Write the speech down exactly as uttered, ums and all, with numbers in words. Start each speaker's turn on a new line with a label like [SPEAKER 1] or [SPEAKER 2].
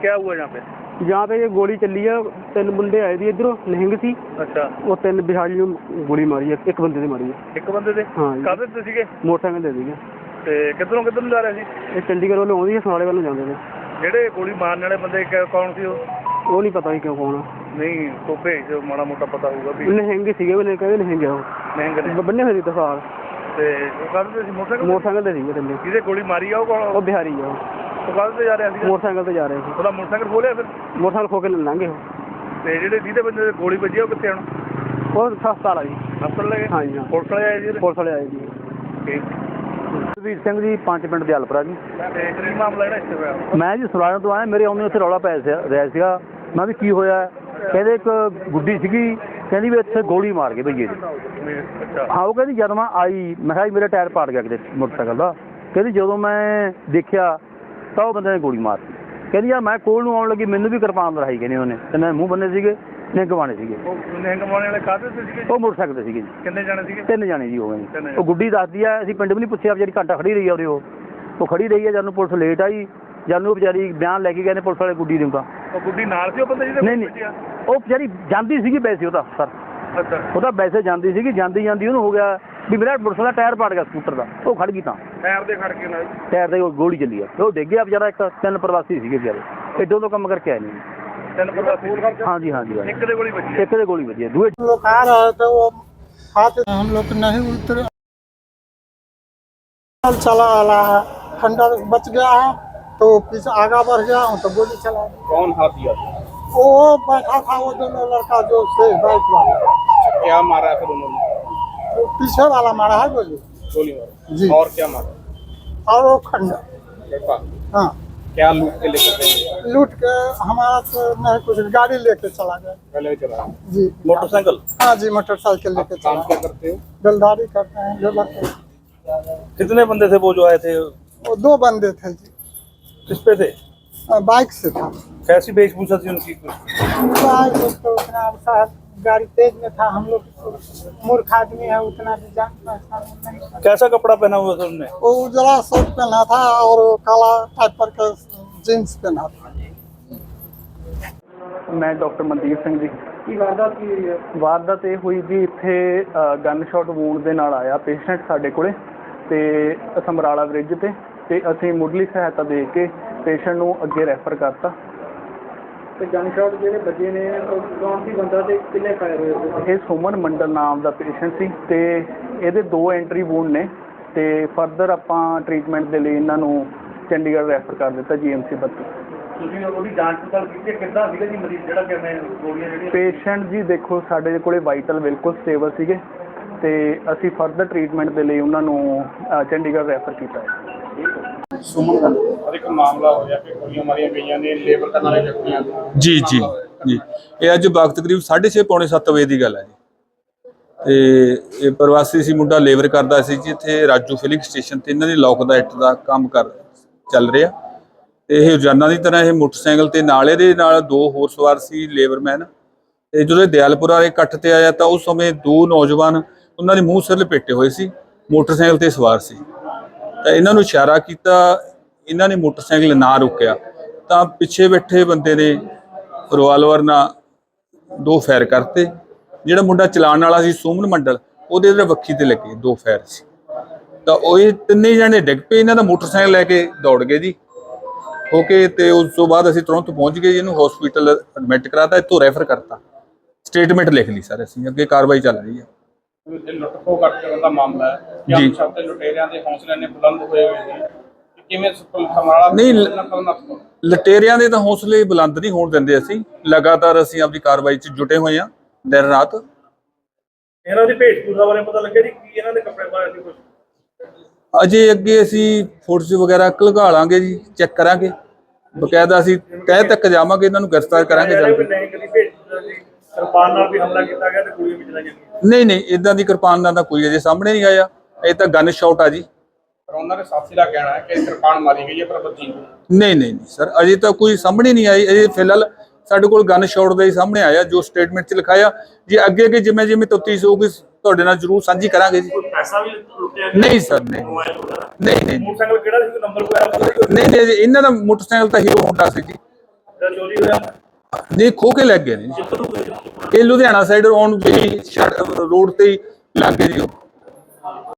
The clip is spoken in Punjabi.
[SPEAKER 1] क्या हुआ यहाँ पे?
[SPEAKER 2] यहाँ पे ये गोली चली है, तीन मुंडे आए थे इधरों, निहंग सी।
[SPEAKER 1] अच्छा।
[SPEAKER 2] वो तीन बिहारी ਨੂੰ ਗੋਲੀ ਮਾਰੀ ਹੈ, ਇੱਕ ਬੰਦੇ ਤੇ ਮਾਰੀ ਹੈ।
[SPEAKER 1] ਇੱਕ ਬੰਦੇ ਤੇ?
[SPEAKER 2] ਹਾਂ।
[SPEAKER 1] ਕਾਹਦੇ ਤੇ ਸੀਗੇ?
[SPEAKER 2] ਮੋਟਰਸਾਈਕਲ ਤੇ ਸੀਗੇ।
[SPEAKER 1] ਤੇ ਕਿੱਧਰੋਂ ਕਿੱਧਰ ਨੂੰ ਜਾ ਰਹੇ ਸੀ?
[SPEAKER 2] ਇਹ ਚੰਡੀਗੜ੍ਹ ਵੱਲੋਂ ਆਉਂਦੀ ਹੈ, ਸਮਾਲੇ ਵੱਲੋਂ ਜਾਂਦੇ ਨੇ।
[SPEAKER 1] ਜਿਹੜੇ ਗੋਲੀ ਮਾਰਨ ਵਾਲੇ ਬੰਦੇ ਕੌਣ ਸੀ ਉਹ?
[SPEAKER 2] ਉਹ ਨਹੀਂ ਪਤਾ ਸੀ ਕਿਉਂ ਕੌਣ ਆ।
[SPEAKER 1] ਨਹੀਂ ਤੋਂ ਭੇਜ ਦਿਓ, ਮਾੜਾ ਮੋਟਾ ਪਤਾ ਹੋਊਗਾ ਵੀ।
[SPEAKER 2] ਨਿਹੰਗ ਸੀਗੇ, ਉਹਨੇ ਕਹਿੰਦੇ ਨਿਹੰਗ ਆ ਉਹ।
[SPEAKER 1] ਨਿਹੰਗ ਨੇ
[SPEAKER 2] ਬੰਨੇ ਹੋਏ ਸੀ ਦਸਾਲ।
[SPEAKER 1] ਤੇ ਉਹ ਕਾਹਦੇ ਤੇ ਸੀ? ਮੋਟਰਸਾਈਕਲ?
[SPEAKER 2] ਮੋਟਰਸਾਈਕਲ ਤੇ ਸੀਗੇ ਤਿੰਨੇ।
[SPEAKER 1] ਜਿਹਦੇ ਗੋਲੀ ਮਾਰੀ ਆ ਉਹ ਕੌਣ? ਉਹ
[SPEAKER 2] ਬਿਹਾਰੀ ਆ।
[SPEAKER 1] ਉਹ ਕਾਹਦੇ ਤੇ ਜਾ ਰਿਹਾ ਸੀ?
[SPEAKER 2] ਮੋਟਰਸਾਈਕਲ ਤੇ ਜਾ ਰਹੇ ਸੀ।
[SPEAKER 1] ਉਹਦਾ ਮੋਟਰਸਾਈਕਲ ਖੋਲਿਆ ਫਿਰ?
[SPEAKER 2] ਮੋਟਰਸਾਈਕਲ ਖੋ ਕੇ ਲੰਘੇ ਉਹ।
[SPEAKER 1] ਤੇ ਜਿਹੜੇ ਜਿਹਦੇ ਬੰਦੇ ਗੋਲੀ ਵੱਜੀ ਉਹ ਕਿੱਥੇ ਹੁਣ?
[SPEAKER 2] ਉਹ ਹਸਪਤਾਲ ਆ ਜੀ।
[SPEAKER 1] ਹਸਪਤਾਲ ਲੈ ਗਏ?
[SPEAKER 2] ਹਾਂਜੀ ਹਾਂ।
[SPEAKER 1] ਪੁਲਿਸ ਵਾਲੇ ਆਏ ਜੀ?
[SPEAKER 2] ਪੁਲਿਸ ਵਾਲੇ ਆਏ ਜੀ।
[SPEAKER 1] ਠੀਕ।
[SPEAKER 2] ਸੁਖਬੀਰ ਸਿੰਘ ਜੀ, ਪੰਜ ਪਿੰਡ ਦੇ ਹਲਪਰਾ ਜੀ।
[SPEAKER 1] ਤੇ ਕੀ ਮਾਮਲਾ ਜਿਹੜਾ ਇੱਥੇ ਹੋਇਆ?
[SPEAKER 2] ਮੈਂ ਜੀ ਸਰਾਇਆਂ ਤੋਂ ਆਇਆ, ਮੇਰੇ ਆਉਂਦੇ ਉੱਥੇ ਰੌਲਾ ਪੈ ਰਿਹਾ ਸੀਗਾ। ਮੈਂ ਵੀ ਕੀ ਹੋਇਆ? ਕਹਿੰਦੇ ਇੱਕ ਗੁੱਡੀ ਸੀਗੀ, ਕਹਿੰਦੀ ਵੀ ਇੱਥੇ ਗੋਲੀ ਮਾਰ ਗਏ ਭਈਏ ਜੀ। ਹਾਂ, ਉਹ ਕਹਿੰਦੀ ਜਦ ਮੈਂ ਆਈ ਮੈਂ ਕਿਹਾ ਮੇਰਾ ਟਾਇਰ ਪਾੜ ਗਿਆ ਕਿਤੇ ਮੋਟਰਸਾਈਕਲ ਦਾ। ਕਹਿੰਦੀ ਜਦੋਂ ਮੈਂ ਦੇਖਿਆ ਤਾਂ ਉਹ ਬੰਦੇ ਨੇ ਗੋਲੀ ਮਾਰਤੀ। ਕਹਿੰਦੀ ਯਾਰ ਮੈਂ ਕੋਲ ਨੂੰ ਆਉਣ ਲੱਗੀ, ਮੈਨੂੰ ਵੀ ਕਿਰਪਾਨ ਲੜਾਈ ਕਹਿੰਦੇ ਉਹਨੇ, ਤੇ ਮੈਂ ਮੂੰਹ ਬੰਨੇ ਸੀਗੇ, ਨਿਹੰਗ ਬਾਣੇ ਸੀਗੇ।
[SPEAKER 1] ਨਿਹੰਗ ਬਾਣੇ ਵਾਲੇ ਕਾਹਦੇ ਤੇ ਸੀਗੇ?
[SPEAKER 2] ਉਹ ਮੋਟਰਸਾਈਕਲ ਤੇ ਸੀਗੇ ਜੀ।
[SPEAKER 1] ਕਿੰਨੇ ਜਾਣੇ ਸੀਗੇ?
[SPEAKER 2] ਤਿੰਨ ਜਾਣੇ ਜੀ ਹੋ ਗਏ ਜੀ। ਉਹ ਗੁੱਡੀ ਦੱਸਦੀ ਆ, ਅਸੀਂ ਪਿੰਡ ਵੀ ਨਹੀਂ ਪੁੱਛਿਆ, ਵਿਚਾਰੀ ਘੰਟਾ ਖੜੀ ਰਹੀ ਆ ਉਰੇ। ਉਹ ਉਹ ਖੜੀ ਰਹੀ ਆ, ਜਦ ਨੂੰ ਪੁਲਿਸ ਲੇਟ ਆਈ, ਜਦ ਨੂੰ ਵਿਚਾਰੀ ਬਿਆਨ ਲੈ ਕੇ ਗਏ ਨੇ ਪੁਲਿਸ ਵਾਲੇ ਗੁੱਡੀ ਨੂੰ। ਤਾਂ
[SPEAKER 1] ਉਹ ਗੁੱਡੀ ਨਾਲ ਸੀ ਉਹ ਬੰਦੇ ਜਿਹਦੇ?
[SPEAKER 2] ਨਹੀਂ ਨਹੀਂ, ਉਹ ਵਿਚਾਰੀ ਜਾਂਦੀ ਸੀਗੀ ਵੈਸੇ ਉਹਦਾ ਸਰ।
[SPEAKER 1] ਅੱਛਾ।
[SPEAKER 2] ਉਹਦਾ ਵੈਸੇ ਜਾਂਦੀ ਸੀਗੀ, ਜਾਂਦੀ ਜਾਂਦੀ ਉਹਨੂੰ ਹੋ ਗਿਆ ਵੀ ਮੇਰਾ ਮੋਟਰਸਾਈਕਲ ਦਾ ਟਾਇਰ ਪਾੜ ਗਿਆ ਸਕੂਟਰ ਦਾ। ਉਹ ਖੜ ਗਈ, ਤਾਂ
[SPEAKER 1] ਟਾਇਰ ਦੇ ਖੜ ਕੇ ਨਾਲ
[SPEAKER 2] ਟਾਇਰ ਦੇ ਗੋਲੀ ਚੱਲੀ ਆ। ਉਹ ਡਿੱਗ ਗਿਆ ਵਿਚਾਰਾ। ਇੱਕ ਤਿੰਨ ਪ੍ਰਵਾਸੀ ਸੀਗੇ ਵਿਚਾਰੇ, ਏਡੋਂ ਤੋਂ ਕੰਮ ਕਰਕੇ ਆਏ ਨੇ।
[SPEAKER 1] ਤਿੰਨ ਪ੍ਰਵਾਸੀ?
[SPEAKER 2] ਹਾਂਜੀ ਹਾਂਜੀ।
[SPEAKER 1] ਇੱਕ ਦੇ ਗੋਲੀ ਵੱਜੀ?
[SPEAKER 2] ਇੱਕ ਦੇ ਗੋਲੀ ਵੱਜੀ। ਦੂਏ
[SPEAKER 3] लोग आ रहे थे, वो हाथ हम लोग नहीं उतरे, चला आ रहा है, खंडर बच गया है तो पीछे आगा बढ़ गया हूँ तो गोली चला।
[SPEAKER 1] कौन हाथ दिया?
[SPEAKER 3] वो बैठा था वो दोनों लड़का जो से बाइक वाला।
[SPEAKER 1] क्या मारा फिर उन्होंने?
[SPEAKER 3] वो पीछे वाला मारा है गोली।
[SPEAKER 1] गोली मारा
[SPEAKER 3] जी।
[SPEAKER 1] और क्या मारा?
[SPEAKER 3] और वो खंडर। हाँ।
[SPEAKER 1] क्या लूट के लेकर गए?
[SPEAKER 3] लूट के हमारा तो नहीं कुछ, गाड़ी लेके चला गया।
[SPEAKER 1] पहले चला
[SPEAKER 3] जी।
[SPEAKER 1] मोटरसाइकिल?
[SPEAKER 3] हाँ जी, मोटरसाइकिल लेके
[SPEAKER 1] काम
[SPEAKER 3] चला।
[SPEAKER 1] क्या करते हो?
[SPEAKER 3] बेलदारी करते हैं, लेबर के।
[SPEAKER 1] कितने बंदे थे वो जो आए थे?
[SPEAKER 3] वो दो बंदे थे जी।
[SPEAKER 1] किस पे थे?
[SPEAKER 3] बाइक से था।
[SPEAKER 1] कैसी वेशभूषा थी उनकी?
[SPEAKER 3] बाइक तो उतना साहब गाड़ी तेज में था, हम लोग मूर्ख आदमी है, उतना भी जान पहचान नहीं।
[SPEAKER 1] कैसा कपड़ा पहना हुआ था उन्होंने?
[SPEAKER 3] वो उजला शर्ट पहना था और काला टाइप पर का जींस पहना था।
[SPEAKER 2] ਮੈਂ ਡਾਕਟਰ ਮਨਦੀਪ ਸਿੰਘ ਜੀ। ਕੀ ਵਾਰਦਾਤ ਕੀ ਹੋਈ ਹੈ? ਵਾਰਦਾਤ ਇਹ ਹੋਈ ਜੀ, ਇੱਥੇ ਗਨ ਸ਼ਾਟ ਵੂੰਡ ਦੇ ਨਾਲ ਆਇਆ ਪੇਸ਼ੈਂਟ ਸਾਡੇ ਕੋਲੇ, ਤੇ ਸਮਰਾਲਾ ਬ੍ਰਿਜ ਤੇ ਤੇ ਅਸੀਂ ਮੁੱਢਲੀ ਸਹਾਇਤਾ ਦੇ ਕੇ ਪੇਸ਼ੈਂਟ ਨੂੰ ਅੱਗੇ ਰੈਫਰ ਕਰਤਾ। ਤੇ ਗਨ ਸ਼ਾਟ ਜਿਹੜੇ ਵੱਜੇ ਨੇ ਕੌਣ ਸੀ ਬੰਦਾ ਤੇ ਕਿੰਨੇ ਫਾਇਰ ਹੋਏ? ਇਹ ਸੁਮਨ ਮੰਡਲ ਨਾਮ ਦਾ ਪੇਸ਼ੈਂਟ ਸੀ, ਤੇ ਇਹਦੇ ਦੋ ਐਂਟਰੀ ਵੂੰਡ ਨੇ, ਤੇ ਫਰਦਰ ਆਪਾਂ ਟ੍ਰੀਟਮੈਂਟ ਦੇ ਲਈ ਇਹਨਾਂ ਨੂੰ ਚੰਡੀਗੜ੍ਹ ਰੈਫਰ ਕਰ ਦਿੱਤਾ ਜੀ ਐਮ ਸੀ ਬੱਤੀ। ਤੁਸੀਂ ਉਹਦੀ ਜਾਂਚ ਪੜਤਾਲ ਕੀਤੀ? ਕਿੱਦਾਂ ਸੀਗਾ ਜੀ ਮਰੀਜ਼ ਜਿਹੜਾ ਕਿ ਮੈਂ ਗੋਲੀਆਂ ਜਿਹੜੀਆਂ? ਪੇਸ਼ੈਂਟ ਜੀ ਦੇਖੋ ਸਾਡੇ ਕੋਲੇ ਵਾਈਟਲ ਬਿਲਕੁਲ ਸਟੇਬਲ ਸੀਗੇ, ਤੇ ਅਸੀਂ ਫਰਦਰ ਟ੍ਰੀਟਮੈਂਟ ਦੇ ਲਈ ਉਹਨਾਂ ਨੂੰ ਚੰਡੀਗੜ੍ਹ ਰੈਫਰ ਕੀਤਾ ਹੈ।
[SPEAKER 1] ਸੁਮਨ ਦਾ ਇੱਕ ਮਾਮਲਾ ਹੋਇਆ ਕਿ ਗੋਲੀਆਂ ਮਾਰੀਆਂ ਗਈਆਂ ਨੇ ਲੇਬਰ ਕਰਨ ਵਾਲੇ ਵਿਅਕਤੀਆਂ ਨੂੰ।
[SPEAKER 4] ਜੀ ਜੀ ਜੀ, ਇਹ ਅੱਜ ਵਕਤ ਕਰੀਬ ਸਾਢੇ ਛੇ ਪੌਣੇ ਸੱਤ ਵਜੇ ਦੀ ਗੱਲ ਹੈ ਜੀ। ਤੇ ਇਹ ਪ੍ਰਵਾਸੀ ਸੀ ਮੁੰਡਾ, ਲੇਬਰ ਕਰਦਾ ਸੀ ਜੀ ਇੱਥੇ ਰਾਜੂ ਫਿਲਿੰਗ ਸਟੇਸ਼ਨ ਤੇ। ਇਹਨਾਂ ਦੀ ਲੋਕ ਦਾ ਇੱਟ ਦਾ ਕੰਮ ਕਰ ਚੱਲ ਰਿਹਾ, ਤੇ ਇਹ ਰੋਜ਼ਾਨਾ ਦੀ ਤਰ੍ਹਾਂ ਇਹ ਮੋਟਰਸਾਈਕਲ ਤੇ ਨਾਲ ਇਹਦੇ ਨਾਲ ਦੋ ਹੋਰ ਸਵਾਰ ਸੀ ਲੇਬਰਮੈਨ। ਤੇ ਜਦੋਂ ਦਿਆਲਪੁਰਾ ਵਾਲੇ ਇਕੱਠ ਤੇ ਆਇਆ ਤਾਂ ਉਸ ਸਮੇਂ ਦੋ ਨੌਜਵਾਨ ਉਹਨਾਂ ਦੇ ਮੂੰਹ ਸਿਰ ਲਪੇਟੇ ਹੋਏ ਸੀ, ਮੋਟਰਸਾਈਕਲ ਤੇ ਸਵਾਰ ਸੀ। ਤਾਂ ਇਹਨਾਂ ਨੂੰ ਇਸ਼ਾਰਾ ਕੀਤਾ, ਇਹਨਾਂ ਨੇ ਮੋਟਰਸਾਈਕਲ ਨਾ ਰੁਕਿਆ ਤਾਂ ਪਿੱਛੇ ਬੈਠੇ ਬੰਦੇ ਨੇ ਰਿਵਾਲਵਰ ਨਾਲ ਦੋ ਫਾਇਰ ਕਰਤੇ। ਜਿਹੜਾ ਮੁੰਡਾ ਚਲਾਉਣ ਵਾਲਾ ਸੀ ਸੁਮਨ ਮੰਡਲ, ਉਹਦੇ ਜਿਹੜੇ ਵੱਖੀ ਤੇ ਲੱਗੇ ਦੋ ਫਾਇਰ ਸੀ। ਤਾਂ ਉਹ ਇਹ ਤਿੰਨੇ ਜਣੇ ਡਿੱਗ ਪਏ, ਇਹਨਾਂ ਦਾ ਮੋਟਰਸਾਈਕਲ ਲੈ ਕੇ ਦੌੜ ਗਏ ਜੀ ਹੋ ਕੇ। ਤੇ ਉਸ ਤੋਂ ਬਾਅਦ ਅਸੀਂ ਤੁਰੰਤ ਪਹੁੰਚ ਗਏ, ਇਹਨੂੰ ਹਸਪੀਟਲ ਐਡਮਿਟ ਕਰਾਤਾ, ਇੱਥੋਂ ਰੈਫਰ ਕਰਤਾ, ਸਟੇਟਮੈਂਟ ਲਿਖ ਲਈ ਸਰ ਅਸੀਂ, ਅੱਗੇ ਕਾਰਵਾਈ ਚੱਲ ਰਹੀ ਹੈ।
[SPEAKER 1] ਲੁੱਟ ਖੋਹ ਕਰਨ ਦਾ ਮਾਮਲਾ ਹੈ ਜੀ। ਸ਼ਬਦ ਲੁਟੇਰਿਆਂ ਦੇ ਹੌਸਲੇ ਨੇ ਬੁਲੰਦ ਹੋਏ ਹੋਏ ਨੇ, ਕਿਵੇਂ ਸਮਰਾਲਾ
[SPEAKER 4] ਨਹੀਂ, ਲੁਟੇਰਿਆਂ ਦੇ ਤਾਂ ਹੌਸਲੇ ਬੁਲੰਦ ਨਹੀਂ ਹੋਣ ਦਿੰਦੇ ਅਸੀਂ। ਲਗਾਤਾਰ ਅਸੀਂ ਆਪਣੀ ਕਾਰਵਾਈ 'ਚ ਜੁਟੇ ਹੋਏ ਹਾਂ ਦਿਨ ਰਾਤ।
[SPEAKER 1] ਇਹਨਾਂ ਦੀ ਭੇਟਪੂਰਾ ਬਾਰੇ ਪਤਾ ਲੱਗਿਆ ਜੀ ਕੀ ਇਹਨਾਂ ਦੇ ਕੱਪੜੇ ਪਾਏ ਸੀ ਕੁਝ?
[SPEAKER 4] ਅਜੇ ਅੱਗੇ ਅਸੀਂ ਫੋਟੋਸ ਵਗੈਰਾ ਘਲਗਾ ਲਾਂਗੇ ਜੀ, ਚੈੱਕ ਕਰਾਂਗੇ, ਬਕਾਇਦਾ ਅਸੀਂ ਤਹਿ ਤੱਕ ਜਾਵਾਂਗੇ, ਇਹਨਾਂ ਨੂੰ ਗ੍ਰਿਫਤਾਰ ਕਰਾਂਗੇ ਜਲਦੀ।
[SPEAKER 1] ਕਿਰਪਾਨ ਨਾਲ ਵੀ ਹਮਲਾ ਕੀਤਾ ਗਿਆ ਤੇ ਗੋਲੀਆਂ ਵੀ ਚਲਾਈਆਂ ਗਈਆਂ?
[SPEAKER 4] ਨਹੀਂ ਨਹੀਂ, ਇਦਾਂ ਦੀ ਕਿਰਪਾਨ ਨਾਲ ਤਾਂ ਕੋਈ ਅਜੇ ਸਾਹਮਣੇ ਨਹੀਂ ਆਇਆ, ਇਹ ਤਾਂ ਗਨ ਸ਼ਾਟ ਆ ਜੀ।
[SPEAKER 1] ਪਰ ਉਹਨਾਂ ਦੇ ਸਾਥੀ ਦਾ ਕਹਿਣਾ ਹੈ ਕਿ ਕਿਰਪਾਨ ਮਾਰੀ ਗਈ ਹੈ ਪਰ ਬੱਚੀ
[SPEAKER 4] ਨਹੀਂ ਨਹੀਂ ਨਹੀਂ ਸਰ, ਅਜੇ ਤਾਂ ਕੋਈ ਸਾਹਮਣੇ ਨਹੀਂ ਆਈ। ਅਜੇ ਫਿਲਹਾਲ ਸਾਡੇ ਕੋਲ ਗਨ ਸ਼ਾਟ ਦਾ ਹੀ ਸਾਹਮਣੇ ਆਇਆ ਜੋ ਸਟੇਟਮੈਂਟ 'ਚ ਲਿਖਾਇਆ। ਜੇ ਅੱਗੇ ਅੱਗੇ ਜਿਵੇਂ ਜਿਵੇਂ ਤਫਤੀਸ਼ ਹੋਊਗੀ ਤੁਹਾਡੇ ਨਾਲ ਜ਼ਰੂਰ ਸਾਂਝੀ ਕਰਾਂਗੇ ਜੀ।
[SPEAKER 1] ਪੈਸਾ ਵੀ ਲੁੱਟਿਆ? ਨਹੀਂ
[SPEAKER 4] ਸਰ, ਨਹੀਂ ਨਹੀਂ ਨਹੀਂ।
[SPEAKER 1] ਮੋਟਰਸਾਈਕਲ ਕਿਹੜਾ ਸੀ, ਨੰਬਰ ਕੋਈ?
[SPEAKER 4] ਨਹੀਂ ਨਹੀਂ, ਇਹਨਾਂ ਦਾ ਮੋਟਰਸਾਈਕਲ ਤਾਂ ਹੀਰੋ ਹੋਂਡਾ ਸੀ ਜੀ।
[SPEAKER 1] ਚੋਰੀ ਹੋਇਆ
[SPEAKER 4] ਨਹੀਂ ਖੋ ਕੇ ਲੈ ਗਏ ਨੇ ਜੀ। ਇਹ ਲੁਧਿਆਣਾ ਸਾਈਡ ਆਉਣ ਜਿਹੜੀ ਰੋਡ ਤੇ ਹੀ ਲੱਗ ਗਏ ਜੀ ਉਹ।